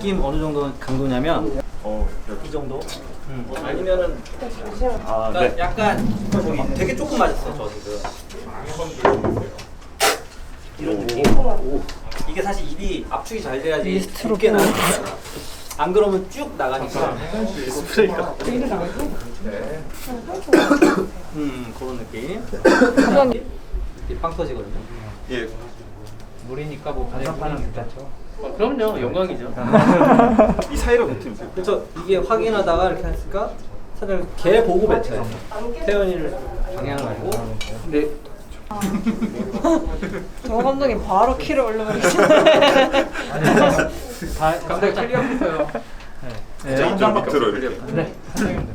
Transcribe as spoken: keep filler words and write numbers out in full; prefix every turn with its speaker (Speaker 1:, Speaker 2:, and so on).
Speaker 1: 느낌 어느 정도 강도냐면
Speaker 2: 어,
Speaker 1: 이 정도? 음. 아니면은
Speaker 2: 아,
Speaker 1: 그러니까
Speaker 2: 네.
Speaker 1: 약간 저기 되게 조금 맞았어 저 지금 이런 느낌. 이게 사실 입이 압축이 잘 돼야지 곱게 나는 거야. 안 그러면 쭉 나가니까.
Speaker 2: 스프레이가.
Speaker 1: 음 그런 느낌. 이빵 터지거든요.
Speaker 2: 예.
Speaker 1: 물이니까 뭐 반상판은 괜찮죠.
Speaker 3: 어, 그럼요, 영광이죠.
Speaker 2: 이 사이로 뱉으면 돼요.
Speaker 1: 그래서 이게 확인하다가 이렇게 했으니까 사실 걔 보고 뱉어요. 태연이를 방향을 알고. 근데
Speaker 4: 정 감독님 바로 키를 올려버리시네.
Speaker 1: 다
Speaker 3: 감독님 클리어 했어요.
Speaker 2: 진짜 인정 막 들어요. 이렇게.
Speaker 1: 네.